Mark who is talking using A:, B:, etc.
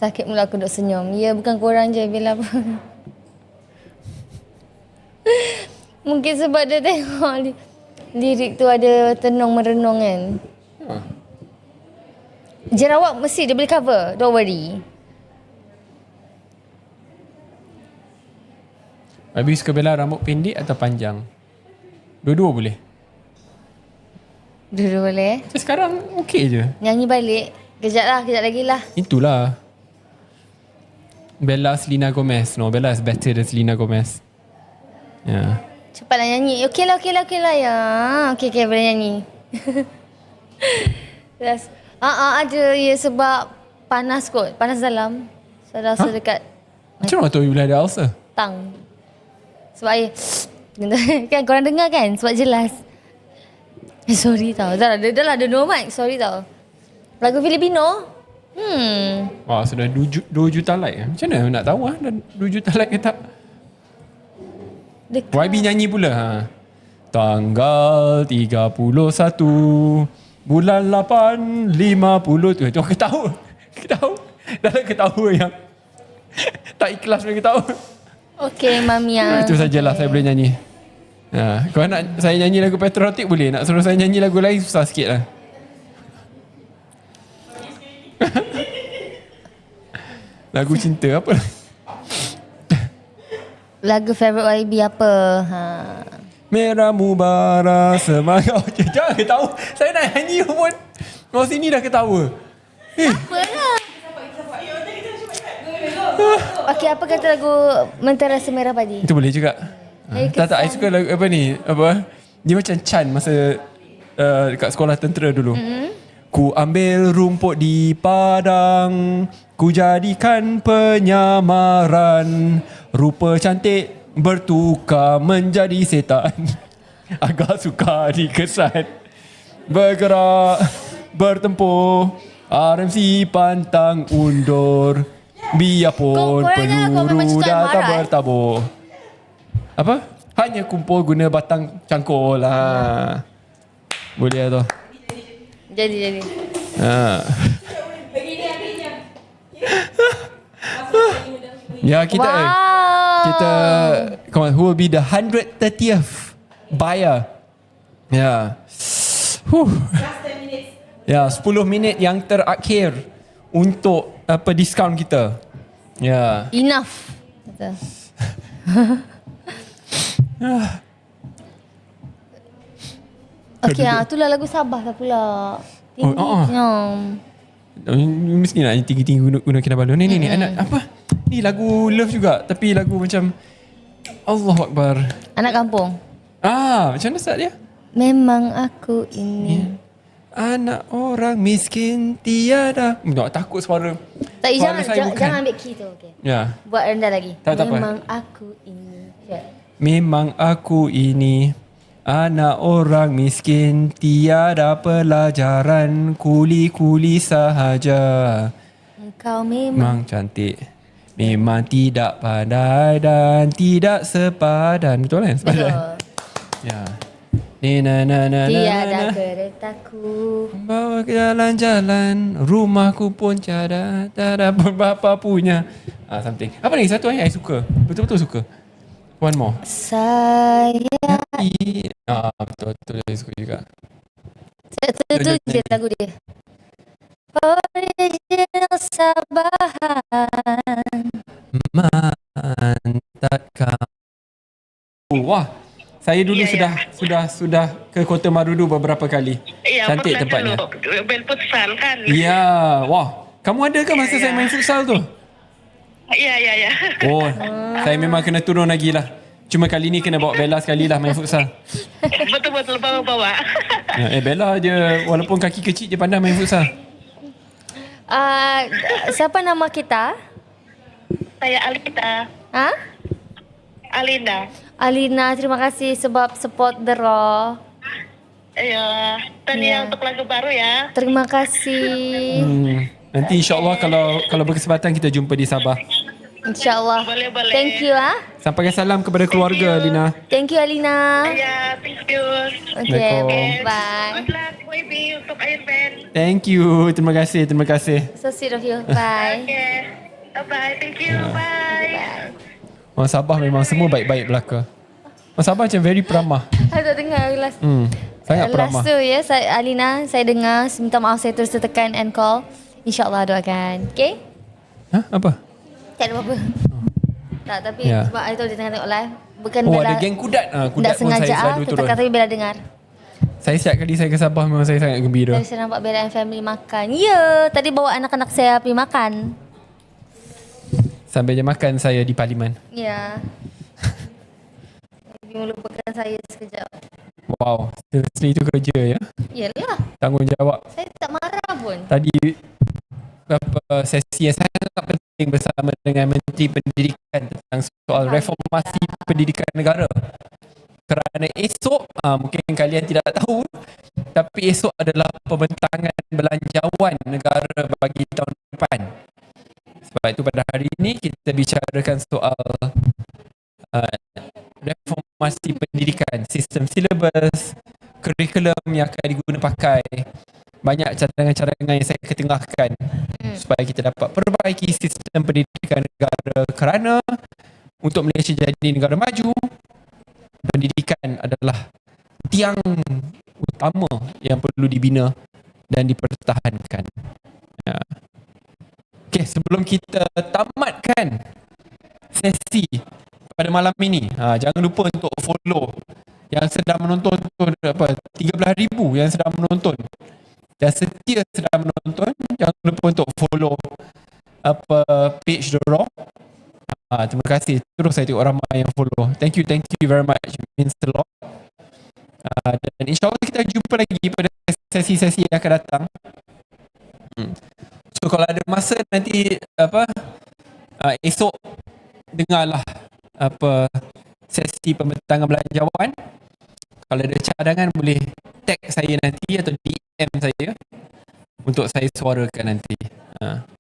A: Sakit mulut aku duk senyum. Ya, bukan korang je Bella pun. Mungkin sebab dia tengok lirik tu ada tenung merenung kan. Jerawat mesti dia boleh cover. Don't worry.
B: Habis suka Bella rambut pendek atau panjang? Dua-dua boleh?
A: Dulu boleh.
B: Sekarang okey je.
A: Nyanyi balik. Kejap lagi lah.
B: Itulah. Bella Selena Gomez. No, Bella is better than Selena Gomez. Ya.
A: Cepatlah nyanyi. Okey lah ya. Okey, boleh nyanyi. Yes. Ada ya sebab panas kot. Panas dalam. So rasa dekat
B: Macam mana tahu you boleh ada ulcer?
A: tang. Sebab air. Kan korang dengar kan? Sebab jelas. Sorry tau. Dah lah ada no mic. Sorry tau. Lagu Filipino?
B: Wah, sudah 2 juta like. Macam mana nak tahu dah 2 juta like ke tak?
A: Dekat.
B: YB nyanyi pula. Tanggal 31 bulan 8 50 tu aku ketawa. Dah lah ketawa yang tak ikhlas punya ketawa.
A: Okey, Mamia.
B: Itu sajalah saya boleh nyanyi. Kalau nak saya nyanyi lagu patriotik boleh. Nak suruh saya nyanyi lagu lain susah sikit lah. Lagu cinta apa?
A: Lagu favourite YB apa?
B: Merah mubara semangat. Jangan ketawa. Saya nak nyanyi pun. Orang sini dah ketawa.
A: Apalah. Okey, apa kata lagu Mentera Semerah Padi?
B: Itu boleh juga. Tak, I suka lagu apa ni? Apa? Dia macam Chan masa dekat sekolah tentera dulu. Ku ambil rumput di padang, ku jadikan penyamaran. Rupa cantik bertukar menjadi setan. Agak suka dikesan. Bergerak, bertempur, RMC pantang undur. Biarpun peluru datang bertabur. Apa? Hanya kumpul guna batang cangkul lah. Boleh lah tu.
A: Jadi.
B: Ya, kita come on, who will be the 130th buyer? Ya. Ya, 10 minit yang terakhir untuk diskaun kita. Ya.
A: Enough. Kata. Okey, itulah lagu Sabah lah pula.
B: Mesti nak tinggi-tinggi guna Kinabalu. Ni anak apa? Ni lagu love juga tapi lagu macam Allahu Akbar.
A: Anak kampung.
B: Macam mana start dia?
A: Memang aku ini.
B: Anak orang miskin tiada. Takut suara.
A: Tak,
B: suara
A: jangan ambil key tu. Okay.
B: Ya.
A: Buat rendah lagi.
B: Tak
A: Memang
B: apa.
A: aku ini.
B: Memang aku ini anak orang miskin, tiada pelajaran, kuli-kuli sahaja.
A: Engkau memang
B: cantik, memang tidak pandai dan tidak sepadan. Betul kan? Sepadan.
A: betul.
B: Ya.
A: Tiada keretaku
B: bawa ke jalan-jalan, rumahku pun tiada pun bapa punya. Something. Apa lagi satu yang I suka? Betul-betul suka. One more.
A: Saya
B: Betul-betul saya suka juga.
A: Itu je lagu dia. Original Sabahan.
B: Mantap. Wah, saya dulu sudah ke Kota Marudu beberapa kali.
C: Ya,
B: Cantik tempatnya.
C: Main futsal kan?
B: Ya, wah. Kamu ada ke masa saya main futsal tu?
C: Ya.
B: Oh, saya memang kena turun lagi lah. Cuma kali ni kena bawa Bella sekali lah main futsal.
C: Betul-betul bawa-bawa.
B: Bella dia walaupun kaki kecil dia pandai main futsal.
A: Siapa nama kita?
C: Saya Alita.
A: Alina, terima kasih sebab support The Raw.
C: Ya, tanya untuk lagu baru ya.
A: Terima kasih.
B: Nanti insyaAllah kalau berkesempatan kita jumpa di Sabah.
C: Boleh.
A: InsyaAllah. Thank you.
B: Sampaikan salam kepada keluarga, Alina.
A: Thank you, Alina.
C: Ya, thank you.
A: Okay,
B: Assalamualaikum.
A: bye.
C: Good luck. FYP untuk Irfan.
B: Thank you. Terima kasih.
A: So sweet of you. Bye.
C: Okay. Bye-bye. Thank you. Bye.
B: Orang Sabah memang semua baik-baik belaka. Orang Sabah macam very peramah.
A: Saya tak dengar last.
B: Sangat peramah.
A: Last tu ya, Alina, saya dengar. Minta maaf saya terus tekan end call. InsyaAllah doakan. Okay?
B: Apa?
A: Tak ada apa-apa. Tak, tapi
B: Ya.
A: sebab I tahu dia tengah tengok live. Bukan
B: Oh,
A: Bella.
B: ada geng kudat. Kudat
A: Tak
B: pun saya
A: sengaja
B: selalu turun.
A: kata Bella dengar.
B: Saya setiap kali saya ke Sabah memang saya sangat gembira.
A: Tadi saya nampak Bella and family makan. Ya, tadi bawa anak-anak saya pergi makan.
B: Sampai je makan saya di Parlimen.
A: Ya. Dia melupakan saya sekejap.
B: Wow, seriously itu kerja ya.
A: Yalah,
B: Tanggungjawab.
A: saya tak marah pun.
B: Tadi sesi yang sangat penting bersama dengan Menteri Pendidikan tentang soal reformasi pendidikan negara. Kerana esok, mungkin kalian tidak tahu, tapi esok adalah pembentangan belanjawan negara bagi tahun depan. Sebab itu pada hari ini kita bicarakan soal reformasi pendidikan, sistem silabus, kurikulum yang akan diguna pakai. Banyak cadangan-cadangan yang saya ketengahkan supaya kita dapat perbaiki sistem pendidikan negara, kerana untuk Malaysia jadi negara maju, pendidikan adalah tiang utama yang perlu dibina dan dipertahankan. Ya. Okey, sebelum kita tamatkan sesi pada malam ini, jangan lupa untuk follow yang sedang menonton tu, 13,000 yang sedang menonton. Dan setia sedang menonton, jangan lupa untuk follow page dorang. Terima kasih. Terus saya tengok ramai yang follow. Thank you very much. It means a lot. Dan insyaAllah kita jumpa lagi pada sesi-sesi yang akan datang. So kalau ada masa nanti esok dengarlah sesi pembentangan belanjawan. Kalau ada cadangan boleh tag saya nanti atau DM saya untuk saya suarakan nanti.